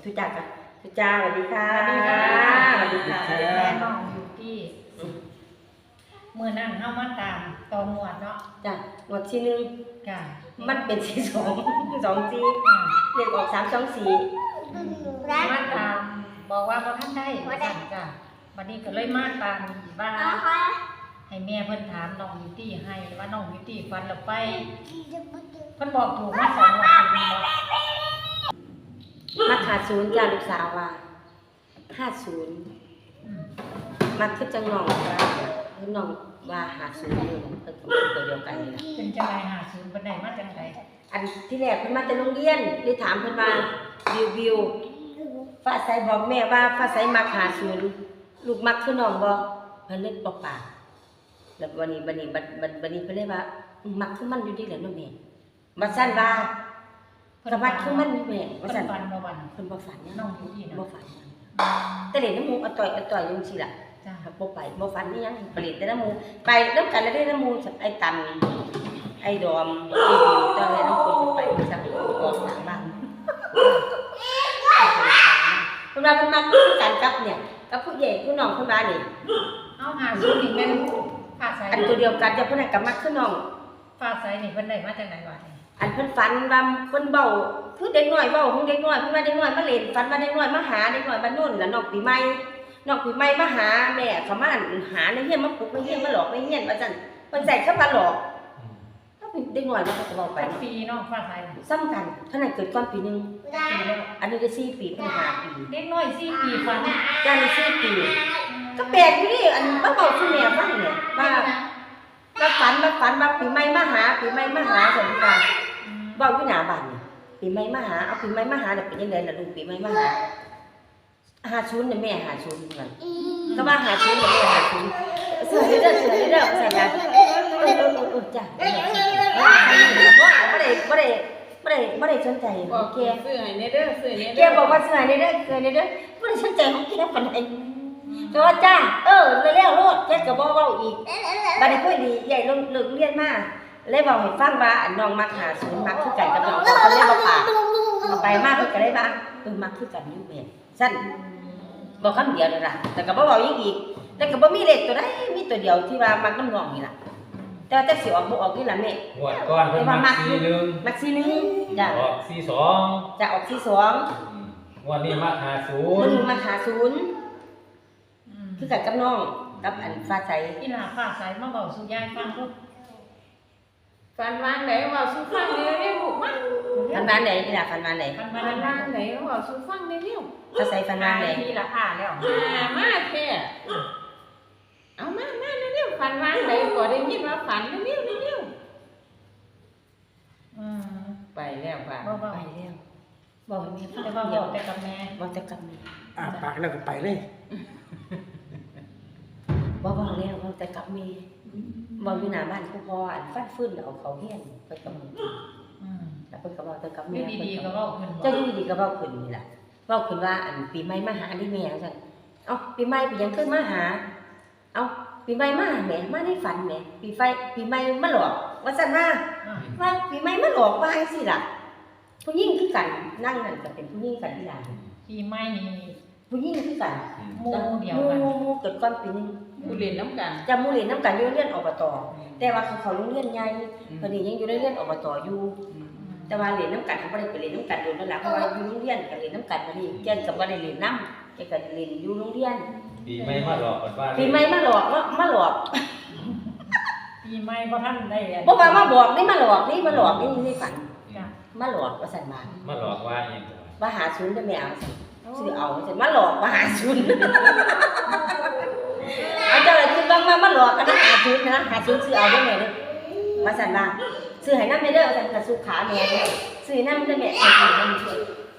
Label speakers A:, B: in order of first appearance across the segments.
A: ทุจักค่ะทุจ้าสวัสดีค่ะสวัสดีค่ะ
B: แม่น้องอยู่ที่เมื่อนั่งเข้ามาตามตองวดเนาะ
A: จ้ะหมดที่นึง
B: ค่ะ
A: มันเป็นที่สองจีเรียกออก324
B: มาตามบอกว่าบ่ทันได้สั่นจ้ะวันนี้ก็เลยมาตามบ้านให้แม่เพิ่นถามน้องบิวตี้ให้ว่าน้องบิวตี้ฟันแล้วไปเพิ่นบอกถูกมา2 งวด
A: มาขาด0จ้าลูกสาวว่า50มาคือจังน้องว่าน้องว่า50อยู่เพิ่นก็ตัวเดียวกันนี่ล่ะ
B: เป็นจังได๋50เพิ่นได้มาจังได๋
A: อันที่แรกเพิ่นมาแต่โรงเรียนเลยถามเพิ่นว่าวิวฟ้าใสบอกแม่ว่าฟ้าใสมัก50ลูกมักคือน้องบ่เพิ่นเลยบอกปากแล้ววันนี้เพิ่นเลยว่ามักคือมันอยู่ดีแหละเนาะแม่มาซั่นว่าสวัสดิ์คือมันแม่ว่า
B: เพิ่
A: ซั่
B: น
A: น
B: ฟันบ่วัน
A: เพิ่นบ่ฝัน
B: น้องบิวตี้
A: บ่
B: เนาะ
A: ฝันแต่เล่นน้ำหมูอต่อยจังซี่ล่ะ
B: จ้ะ
A: ครับบ่ไปบ่ฝันอีหยังไปเล่นแต่น้ำหมูไปนำกันแล้วได้น้ำหมูไอ้ตันไอ้ดอมไอ้บิวตอนแรกน้ำคนไปซักออกจากบ้านเพิ่นว่าเพิ่นมักกันกับเนี่ยกับผู้ใหญ่ผู้น้องเพิ่นว่านี่
B: เอา50นี่แม่นฟ้าใส
A: อันตัวเดียวกันจะเพิ่นก็มักคือน้อง
B: ฟ้าใสนี่เพิ่นได้มาจากไหนวะ
A: อันเพิ่นฝันว่าเพิ่นเว้าคือเด็กน้อยเว้าของเด็กน้อยเพิ่นว่าเด็กน้อยมาเล่นฝันว่าเด็กน้อยมาหาเด็กน้อยบ้านโน่นล่ะน้องปีใหม่มาหาแม่เขามาหาในเฮียนมาปลุกในเฮียนมาหลอกในเฮียนว่าซั่นเพิ่นใส่คำว่าหลอกถ้าเป็นเด็กน้อยมันก็จะเว้าไป
B: ไปปีเนาะฟ้าใส
A: ซ้ำกันเท่านั้นเกิดก่อนปีนึง
B: ปีแล้ว
A: อันนี้ก็4ปีเพิ่น5ปี
B: เด็กน้อย4 ปีฟัน
A: จ้านี่4ปีก็แปลกอยู่ดิอันมาเว้าสู่แม่ฟังเนี่ยว่าฝันว่าปีใหม่มาหาซั่นว่าเว้าอยู่หน้าบ้านนี่ปีใหม่มาหาเอาปีใหม่มาหาแล้วเป็นจังได๋ล่ะลูกปีใหม่มาหา50น่ะแม่50นั่นก็ว่า50น่ะแม่50เสือเด้อใส่กันจ้ะบ่ได้สนใจของแก
C: ซื้อให้เนเด้อซื้อให้เน
A: แก
C: เด้อ
A: บอกว่าเสือนี่เด้อบ่ได้สนใจของแกปานใดแต่ว่าจ้าแล้วโลดแกก็บ่เว้าอีกบัดนี้คุยดีใหญ่ลงเลิกเรียนมาเลยเว้าให้ฟังว่าน้องมัก50มักคือกันกับน้องก็เลยบ่ปากไปมาเพิ่นก็เลยว่ามักคือกันอยู่แม่ซั่นบอกคำเดียวนั่นล่ะแต่ก็บ่เว้าอีกแต่ก็บ่มีเลขตัวใดมีตัวเดียวที่ว่ามักน้ำน้องนี่ล่ะแต่ว่าจักสิออกบ่ออกนี่ล่ะแม่
D: งวดก่อนเพิ่นมัก41
A: มัก41จ้ะ
D: ออก42
A: จะออก42
D: งวดนี้มัก
A: มัน
D: 50
A: มา50คือกันกับน้องกับอันฟ้าใส
B: อีหลาฟ้าใสมาเว้าสู่ยายฟังลูก
C: ฟันวางไหนว่าสู้ฟังเร็วเร็วลูกมา
A: ฟันบ้านไหนนี่ล่ะฟันบ้านไหน
B: ฟัน
C: ฟั
B: มาน แล้ว
C: วางไหนว่าสู้ฟังเร็วเร็ว
A: ฟ้าใสฟันบ้านไหน
B: ทีละอ่าแล้ว
C: มาแท้เอามาเร็วฟันวางไหนก็ได้ยินว่าฝันเร็วเร็ว
B: อืม
C: ไปแล้วค่ะ
B: บ่
A: ไปแล้วบอกให้แม่ฟัง
B: แต่ว่า
A: เดียว
B: แต่กับแม่
A: บอกแต่กับแม่
E: ปากแล้วก็ไปเลย
A: บอกแล้วบอกแต่กับแม่บอกอยู่หน้าบ้านผู้พ่ออันฟันฟื้นเอาเขาเฮียนเพิ่นก็บอก
B: อืม
A: แล้วเพิ่นก็บอกแต่กับ
B: อ
A: แม่
B: ยู่ดีๆก็เว้าขึ้นบ่
A: เจ้าอยู่ดีๆก็เว้าขึ้นนี่ล่ะเว้าขึ้นว่าอันปีใหม่มาหาดิแม่ว่าซั่นเอ้าปีใหม่ไปยังขึ้นมาหาเอ้าปีใหม่มาแหมมาในฝันแหมปีใหม่มาหลอกว่าซั่นนะ
B: อ่า
A: ว่าปีใหม่มาหลอกว่าจังซี่ล่ะผู้หญิงคือกันนั่งนั่นก็เป็นผู้หญิงกันที่ล่ะ
B: ปีใหม่นี่
A: ผู้หญิงคือกัน
B: หมู่เดียวกัน
A: หมู่เกิดก่อนปีนึง
C: ผู้เรียนน้ำกัน
A: จำหมู่เรียนนำกันอยู่โรงเรียนอบตแต่ว่าเขาโรงเรียนใหญ่เพิ่นนี่ยังอยู่โรงเรียนอบตอยู่แต่ว่าเรียนนำกันเขาบ่ได้ไปเรียนนำกันโดนแล้วล่ะเพราะว่าอยู่โรงเรียนก็เรียนนำกันบัดนี้แกนก็บ่ได้เรียนนำแกก็เรียนอยู่โรงเรียน
D: ปีใหม่มาหลอกกันว่า
A: ปีใหม่มาหลอกมาหลอก
B: ปีใหม่บ่ทันได้อัน
A: บ่ว่ามาบอกนี่มาหลอกนี่ในฝัน
B: จ้ะ
A: มาหลอกว่าซั่นมา
D: มาหลอกว่าอีหยัง
A: ว่าหาศูนย์ได้แม่เอาซั่นซื้อเอาซั่นมาหลอกว่าหาศูนย์เอาเจ้าละคิดว่ามาหลอกกันนะหาศูนย์นะหาศูนย์ซื้อเอาได้แม่เด้อว่าซั่นว่าซื้อให้นำแม่เด้อซั่นก็สุขาแม่ซื้อนำได้แม่ให้ซื้อนำ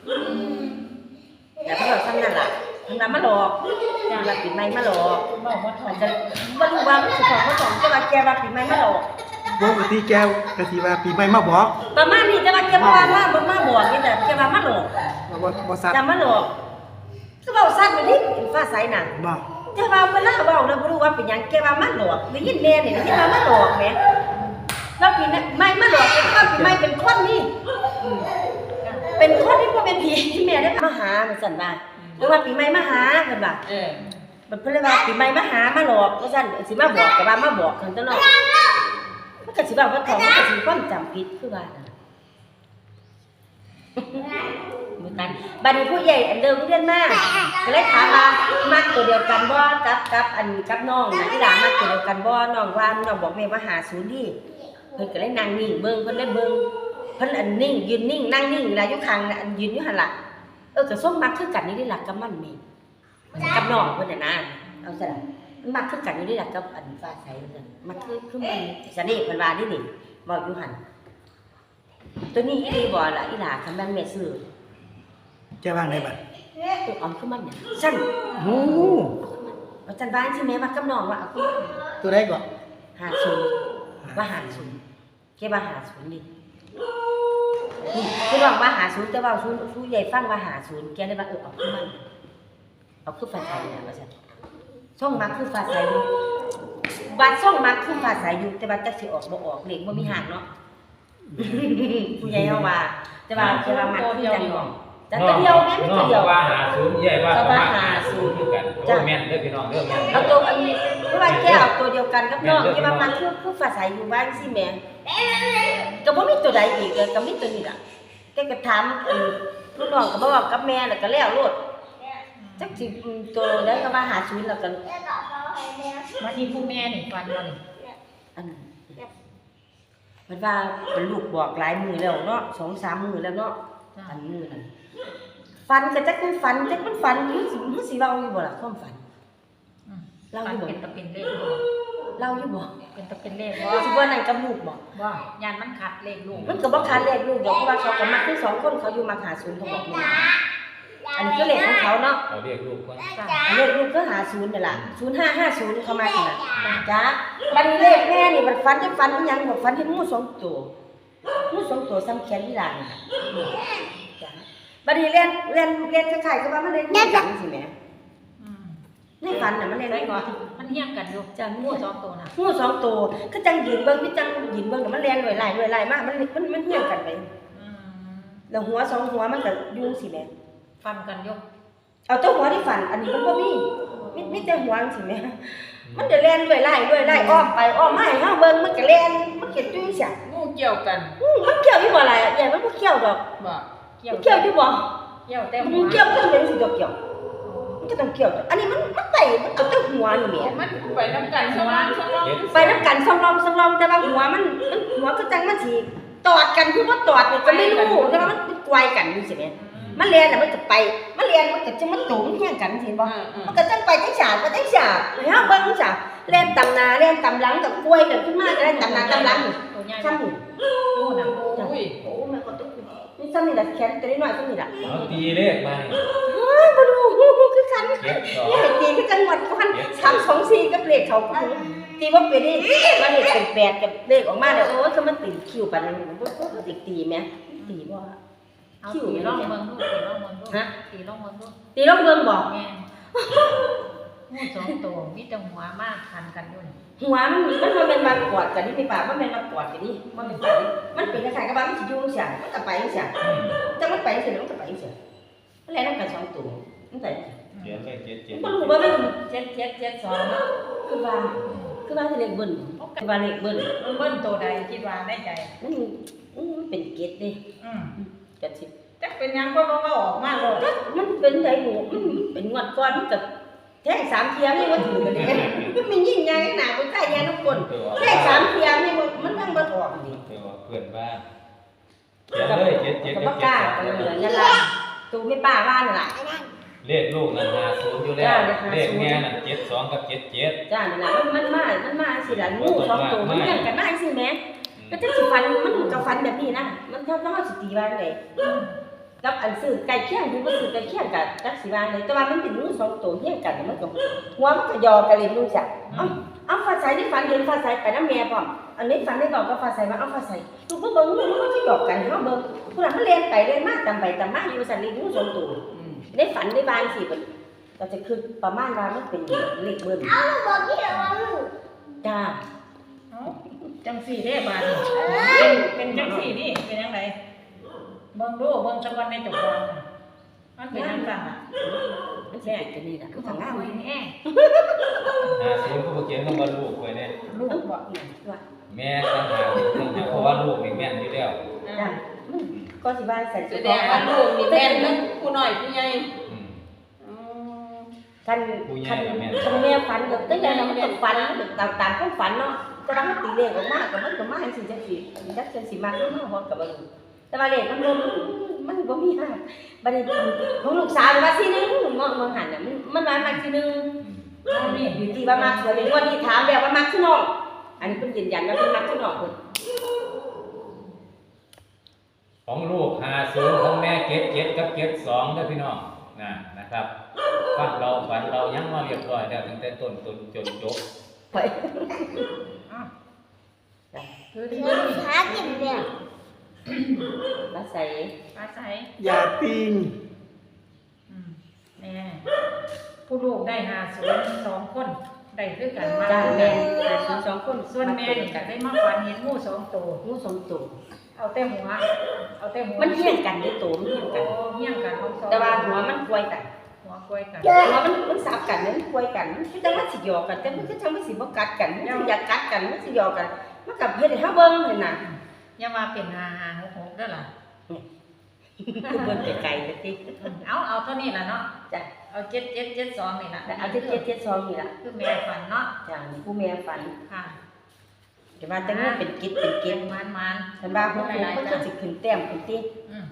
A: แล้วเพิ่นก็ทำนั่นล่ะทำนั้นมาหลอกว่าปีใหม่มาหลอก
B: เว้าบ่ถอ
A: มั
B: น
A: นจะบ่รู้ว่ามันสิของบ่ของแต่ว่าแกว่าปีใหม่มาหลอก
E: ปกติแกก็สิว่าปีใหม่มาบอก
A: ประมาณนี้แต่ว่าแกบ่ว่ามาบอกนี่แต่แกว่ามาหลอก
E: ว่าบ่ซัด
A: จำมาหลอกก็เว้าซัดไปดิฟ้าใสน่ะ
E: บ่
A: แต่ว่าเวลาเว้าแล้วบ่รู้ว่าเป็นหยังแกว่ามาหลอกได้ยินแม่นี่ได้ยินว่ามาหลอกแหมแล้วปีนั้นไม่มาหลอกแกว่าปีใหม่เป็นคนนี่เป็นคนที่บ่เป็นผีแม่ได้มาหาเหมือนซั่นว่าหรือว่าปีใหม่มาหาเพิ่นว่า มันเพิ่นเลยว่าปีใหม่มาหามาหลอกว่าซั่นสิมาบอกก็ว่ามาบอกคั่นตะเนาะมันก็สิว่าว่าเขามันก็สิความจำผิดคือว่านั่นเหมือนกันบัดนี้ผู้ใหญ่อันเดิมเรียนมาก็เลยถามว่ามักตัวเดียวกันบ่กับน้องน่ะอีหลามักตัวเดียวกันบ่น้องว่าน้องบอกแม่ว่า50ดิเพิ่นก็เลยนั่งนิ่งเบิ่งเพิ่นเลยเบิ่งเพิ่นอันนิ่งยืนนิ่งนั่งนิ่งนะอยู่ข้างน่ะอันยืนอยู่หั่นล่ะก็ส้มมักคือกันนี่ได้หลักกับมันแม่กับน้องเพิ่นน่ะนะเอาซะล่ะมันมักคือกันอยู่ได้หลักกับอันฟ้าใสเพิ่นมันคือมันสนิทเพิ่นว่านี่เว้าอยู่หั่นตัวนี้อีหลีบ่ล่ะอีหลาคันแม่นแม่ซื้อ
E: แจ้ว่างได้บัด
A: เอาคือมันเนี่ยซั่น
E: โอ้
A: ว่าซั่นบ้านสิแม่ว่ากับน้องว่าเอาคือ
E: ตัวใดก่อน
A: 50ว่า50แกว่า50นี่คือว่า50แต่ว่าสู้ใหญ่ฟังว่า50แกเลยว่าเอาคือมันเอาคือฟ้าใสนะว่าซั่นช่องมักคือฟ้าใสอยู่บัดช่องมักคือฟ้าใสอยู่แต่ว่าจักสิออกบ่ออกเลขบ่มีหางเนาะผู้ใหญ่เฮาว่าแต่ว่ามักคือจังบ่แต่ตัวเดียวแม่ไม่ตัวเดียว
D: ว่า50ใหญ่ว่า50คือกันโอ้แม่นเด้อพี่น้องเด้อแม่น
A: เอาตัวอันนี้เพราะว่าแกเอาตัวเดียวกันกับน้องที่ว่ามันคือฟ้าใสอยู่บ้านสิแม่ก็บ่มีตัวใดอีกเลยก็มีตัวนี้ล่ะแกก็ถามลูกน้องก็บอกกับแม่แล้วก็แล้วโลดจักสิตัวใดก็ว่า50แล้วก็
B: วันนี้ผู้แม่นี่ฟันบ่นี่
A: อันนั้นมันว่าเป็นลูกบอกหลายมื้อแล้วเนาะ 2-3 มื้อแล้วเนาะอันมื้อนั้นฝันก็จักมันฝันมันสิเว้าอยู่บ่ล่ะความฝัน
B: ฟันเป็นตะเป็นเลขบ่
A: เล่าอยู่บ่
B: เป็นตะเป็นเลขบ่
A: สิบ่นั่นกับลูกบ่
B: บ่ยานมันขัดเลขลูก
A: มันก็บ่คันเลขลูกดอกเพราะว่าเขาก็มักทั้ง2คนเขาอยู่มา50เขาบอกแม่อันนี้ก็เลขของเขาเนาะ
D: เอาเรียกลูกก่อน
A: เลขลูกก็50นั่นล่ะ0550เขามาขนาดจ้ะบัดนี้เลขแม่นี่มันฝันจะฝันอีหยังบ่ฝันเห็นงู2ตัวงู2ตัวซ้ำแขนอีหลานน่ะจ้ะบัดนี้เรียนคล้ายๆกับว่ามันเล่นงูจังสิแหม
B: อืม
A: ในฝันน่ะมันเล่น
B: ได้
A: ได้
B: ก่
A: ก่
B: อ
A: อน น
B: มันเฮี้ยงกันอยู่จ้ะงูสองตัวน่ะ
A: งู2ตัวคือจังยืนเบิ่งคือจังยืนเบิ่งน่ะมันเล่นด้วยหลายมากมันเหี่ยงกันไป
B: อืม
A: แล้วหัว2หัวมันก็อยู่สิแหม
B: ฟันกันอยู่
A: เอาแต่หัวที่ฝันอันนี้มันบ่มีแต่หัวจังซี่แหมมันจะเล่นด้วยไล่อ้อมไปอ้อมมาให้เฮาเบิ่งมันก็เล่นมันก็จุ้ยเสีย
C: งูเกี่ยวกัน
A: มันเกี่ยวอยู่บ่ล่ะใหญ่มันบ่เกี่ยวดอก
C: บ่
B: เกี่ยว
A: มันเกี่ยวอยู่บ่
B: เกี่ยวแต่
A: มัน
B: หัว
A: เกี่ยวก็เป็นสิดอกเกี่ยวมันก็ต้องเกี่ยวอันนี้มันไต่มันก็ต้องหัวนี่แหม
C: มันไปนำกันสว่างสว่าง
A: ไปนํกันสองรองแต่ว่าหัวมันหัวก็จังมันสิตอดกันคือบ่ตอดนี่ก็ไม่รู้แต่ว่ามันกวายกันจังซี่แหมมันเรียนน่ะมันก็ไปมันเรียนมันก็จังมันโตมันเฮียงกันสิบ่ มันก็จังไปจังฉาดไปจังฉาดให้เฮาเบิ่งจ้ะเล่นตำหน้าเล่นตำหลังกับกล้วยกันขึ้นมาก็ได้ตำหน้าตำหลัง
B: ตัวใหญ่
A: ซ้ำนี่
B: ตัวน่ะ
C: อุ้ย
A: โอ้แม่ก็ตกนี่ซ้ำนี่ล่ะแขนตัวน้อยๆซ้ำนี่ล่ะ
D: เอาตีเลขมา
A: เฮ้ยบ่รู้คือกัน
D: เจ็ดสอง
A: นี่ให้ตีคือจังหวัดพัน324กับเลขเขาตีบ่เป็นนี่มันเลขเป็น8กับเลขออกมาแล้วโอ้ยคือมันติดคิวปานนั้นบ่ตีแม่ตีบ่
B: เอาตีร่องเมืองลูกตีร่องเมืองลูก
A: ฮะ
B: ตีร่องเมืองลูก
A: ตีลองเบิ่งบ่
B: แม่งูสองตัวมีแต่หัวมากคันกันอยู่นี่
A: หัวมันบ่แม่นมากอดกันนี่พี่ป่าบ่แม่นมากอดกันนี่บ่แม่นกันนี่มันเป็นคล้ายๆกับว่ามันสิอยู่จังซี่มันก็ไปจังซี่ จังมันไปจังซี่มันก็ไปจังซี่มันแล่นนำกัน2ตัวมันไป
D: เจ็ดเลขเจ็ด
A: บ่รู้ว่ามัน
B: 7772เนาะ
A: คือว่าสิเลขเบิ้ลคือว่าเลขเบิ้ล
B: มันเบิ้ลตัวใดคิดว่าในใจ
A: มันเป็นเกตเด้
B: อืม
A: จังซี่
B: จักเป็นหยังก็บ่ออกมาโลด
A: มันเป็นไดหมูมันเป็นงวดก่อนมันก็แทง3เที่ยนี่บ่ถือกันเด้มันมียิ่งใหญ่หน้าบ่ใกล้ยาทุกคนแทง3เที่ยนี่มันยังบ่ออกนี่
D: เพื่อนบ้านเขียนเลยเจ็ดเจ็ด
A: ก็
D: เจ็
A: บ่
D: ด
A: กล้ากันเลยนั่นล่ะตูไม่ป้าว่านั่นล่ะ
D: เลขลูกนั่น50อยู่แล้วเลขแม่นั่น72กับ77
A: จ้านั่นล่ะมันมาสิล่ะงู2ตัวมันเลี้ยงกันมาจังซี่แหม ก็จะสิฟันมันกับฟันแบบนี้นะมันถ้าเราสิตีว่าไงกับอันซื้อไก่เคี่ยงที่บ่ซื้อไก่เคี่ยงกับจักสิว่าเลยแต่ว่ามันเป็นงูสองตัวเฮี้ยงกันมันก็หัวมันก็ยอกันเลยรู้จักเอาฟ้าใสนี่ฝันเห็นฟ้าใสไปนำแม่พร้อมอันนี้ฝันได้บอกกับฟ้าใสว่าเอาฟ้าใสลูกบ่เบิ่งมันสิหยอกกันเฮาเบิ่งผู้นั้นมันเล่นไปเล่นมาตามไปตามมาอยู่ซั่นนี่งูสองตัวได้ฝันได้บางสิเพิ่นก็จะคือประมาณว่ามันเป็นเลขเบิ่นจ้า
B: จังสี่เด้บาดนี่เป็นจังสี่นี่เป็นจังไดเบิ่งดูเบิ่งสักวันในจุกวันมันเป็นยังไงอ่ะ
A: มันสิเป็นจังนี้ล่ะคือทางงาม
B: คุยแน่
D: 50ก็บ่เขียนคำว่าลูกไว้เนี่ย
B: ลูกบอก
A: ว่า
D: แม่ต่างหากเรื่องเพราะว่าลูกนี่แม่นอยู่แล้ว
A: จ้ะก็สิว่าใส่
C: แส
A: ชุด
C: ดงว่าลูกนี่แม่นทั้งผู้น้อยผู้ใหญ่
D: อืม
C: อืม
A: คันแม่ฝันก็ตั้งแต่นั้นมันก็ฝันตามความฝันเนาะแต่ว่ามันตีเลขออกมาก็มันก็มาจังซี่จังซี่จักจังสิมามันฮอดก็บ่รู้แต่ว่าเลขมันบ่มีหาบัดนี้ของลูกสาวว่าสินึงมองหันน่ะมันว่ามักสินึง
D: อืม
A: นี่อยู่ที่ว่ามักสวยเป็นวันนี้ถามแล้วว่ามักสิน้องอันนี้เพิ่นยืนยันว่าเพิ่นมักสิน้องเพิ่น
D: ของลูก50ของแม่เก็บ7กับเก็บ2เด้อพี่น้องนะครับฟังเราฝันเรายังมาเรียบร้อยแล้วตั้งแต่ต้นจนจบ
A: ไป
B: คือที่
F: หากินเนี่ย
A: มาใส่
B: อาศัย
E: อย่าปิง
B: แม่ผู้ลูกได้52คนได้คือกันมา
A: จ้าแม่สองคน
B: ส่วนแม่นี่ก็ได้มาฝันเห็นงู2ตัว
A: งูสองตัว
B: เอาแต่หัว
A: มันเฮี้ยงกันได้ตัวมันเฮี้ยงกัน
B: เฮี้ยงกันของสอง
A: แต่ว่าหัวมันควยกัน
B: หัวกล้วยกัน
A: หัวมันสับกันมันควยกันมันคือจังว่าสิหยอกกันแต่มันคือจังว่าสิบ่กัดกันมันสิอยากกัดกันมันสิหยอกกันมันกับเฮ็ดให้เฮาเบิ่งเห็นน่ะ
B: อย่ามาเป็น5566เด้อล่ะ
A: คือเบิ่งไกลๆจังซี่
B: เอาเท่านี้ล่ะเนาะ
A: จ้ะ
B: เอา7772นี่ล่ะ
A: เอาที่772นี่ล่ะ
B: คือแม่ฝันเนาะ
A: จ้าผู้แม่ฝัน
B: ค่ะ
A: แต่ว่าแต่งูเป็นกิจเป็นกิ
B: เก็
A: จ
B: บมัน
A: ฉันว่าพวกมันก็สิขึ้นแต้มขึ้นติ
B: อืม